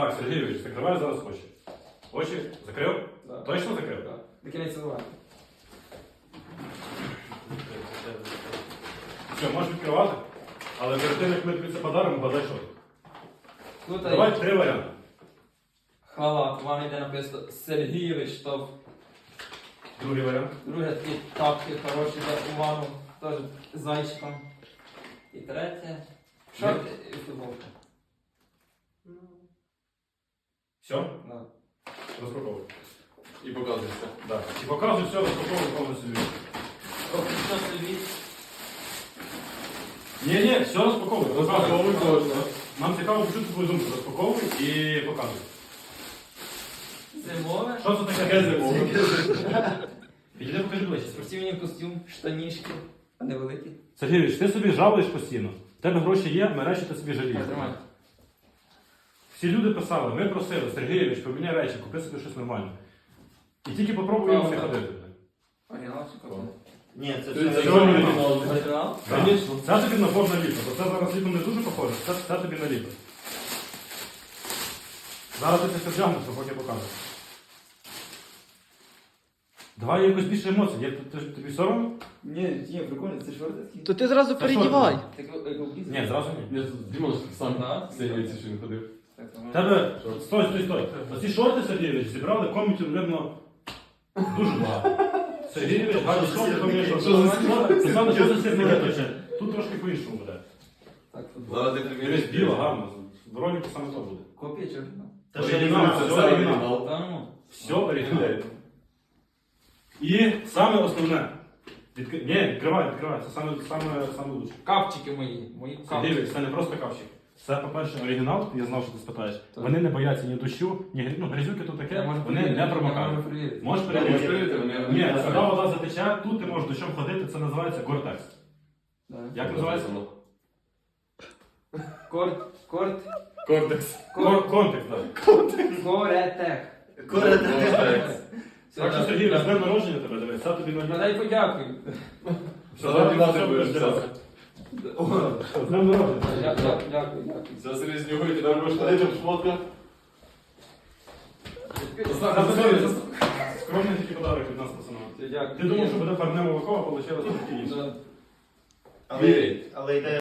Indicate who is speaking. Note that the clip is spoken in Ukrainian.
Speaker 1: Так, Сергійович, закривай зараз очі. Очі закрив?
Speaker 2: Да.
Speaker 1: Точно закрив?
Speaker 2: Так. До кінець цілувати.
Speaker 1: Все, можеш відкривати, але перед тим, як ми тобі це подаримо, гадай що.
Speaker 2: Тут
Speaker 1: Давай 3 варіанти.
Speaker 2: халат. Вам йде написано Сергійович Штоф.
Speaker 1: Другий варіант.
Speaker 2: Друге такі тапки хороші для увагу. Теж з зайчиком. І третє. Шорти і футболка.
Speaker 1: Все?
Speaker 2: Да.
Speaker 1: Розпаковуй.
Speaker 3: І показується.
Speaker 1: Так. І показуй все, розпаковуй повністю.
Speaker 2: Що собі?
Speaker 1: Ні, все розпаковуй.
Speaker 3: Розпаковуй кожного.
Speaker 1: Нам цікаво почути твою думку. Розпаковуй і показуй.
Speaker 2: Зимове.
Speaker 1: Що це таке зимове? Підійди, покажи ближче.
Speaker 2: Спортивний костюм, штанішки. А не великі.
Speaker 1: Сергійович, ти собі жалуєш постійно. В тебе гроші є, ми речі ти собі жалієш.
Speaker 2: Тримай.
Speaker 1: Всі люди писали, ми просили, Сергійович, поміняй речі, купи собі щось нормальне. І тільки попробуй його все ходити.
Speaker 2: Оригінал чи копія?
Speaker 4: Ні, це
Speaker 3: Це
Speaker 4: все
Speaker 3: чорний
Speaker 4: оригінал.
Speaker 3: оригінал.
Speaker 2: Оригінал?
Speaker 1: Звісно. Це тобі набор на літо, бо це зараз літом не дуже похоже, це тобі на літо. Зараз ти це вдягнеш, а поки покажеш. Давай якось більше емоцій. Тобі соромно?
Speaker 2: Ні, прикольно, це шорти такі.
Speaker 4: То ти зразу передівай.
Speaker 2: Так, як облізли?
Speaker 1: Ні, зразу ні.
Speaker 3: Я Дімон сам
Speaker 2: Да.
Speaker 3: здається, що він ходив.
Speaker 2: Так,
Speaker 1: В тебе, стой. Оці шорти, Сергійович, зібрали комітів, видно, дуже багато. Сергійович, гарні шорти, поміняй шорти.
Speaker 3: Що за
Speaker 1: Це саме, що за сірники точно. Тут трошки по-іншому буде.
Speaker 2: Так, футбол.
Speaker 3: Зараз ти
Speaker 1: Дивись,
Speaker 3: приміряєш
Speaker 1: біло, гарно. В ролику саме то буде.
Speaker 2: Копія чи оригінал?
Speaker 4: Та ще
Speaker 1: Оригінал,
Speaker 4: оригінал.
Speaker 1: все
Speaker 3: Це
Speaker 1: оригінал.
Speaker 3: оригінал.
Speaker 2: Та ну.
Speaker 1: Все оригінал. І саме основне. Ні, відкривай, це саме лучше.
Speaker 2: Капчики мої капчики.
Speaker 1: Сергійович, це не просто капчик. Це, по-перше, оригінал, я знав, що ти спитаєш.
Speaker 2: Так.
Speaker 1: Вони не бояться ні дощу, ні грязюки тут
Speaker 2: Я
Speaker 1: таке,
Speaker 2: можу
Speaker 1: вони
Speaker 2: перевірити,
Speaker 1: не
Speaker 2: я
Speaker 1: промокають.
Speaker 2: можу перевірити.
Speaker 1: Можеш
Speaker 3: Можеш
Speaker 1: перевірити?
Speaker 3: перевірити, вони
Speaker 1: Ні,
Speaker 3: не
Speaker 1: сюди вода затече, тут ти можеш дощом ходити, це називається Гортекс.
Speaker 2: Да.
Speaker 1: Як називається?
Speaker 2: Кортекс.
Speaker 3: Кортекс.
Speaker 1: Контекс, так.
Speaker 2: Коретек.
Speaker 3: Кортекс.
Speaker 1: Так що, Сергій, з днем народження тебе, дивись, це тобі на
Speaker 2: Дай подякую.
Speaker 1: Все,
Speaker 3: Зараз
Speaker 1: зараз
Speaker 3: ти будеш
Speaker 1: все
Speaker 3: взяти.
Speaker 1: З днем народження.
Speaker 2: Дякую.
Speaker 3: Зараз серйозні гуйки, ти будеш ходити в шмотках.
Speaker 1: Скромний такий подарок від нас, пацанам.
Speaker 2: Дякую.
Speaker 1: Ти думав, що буде парне молоко, а вийшло трошки інше.
Speaker 2: Да.
Speaker 4: Але йде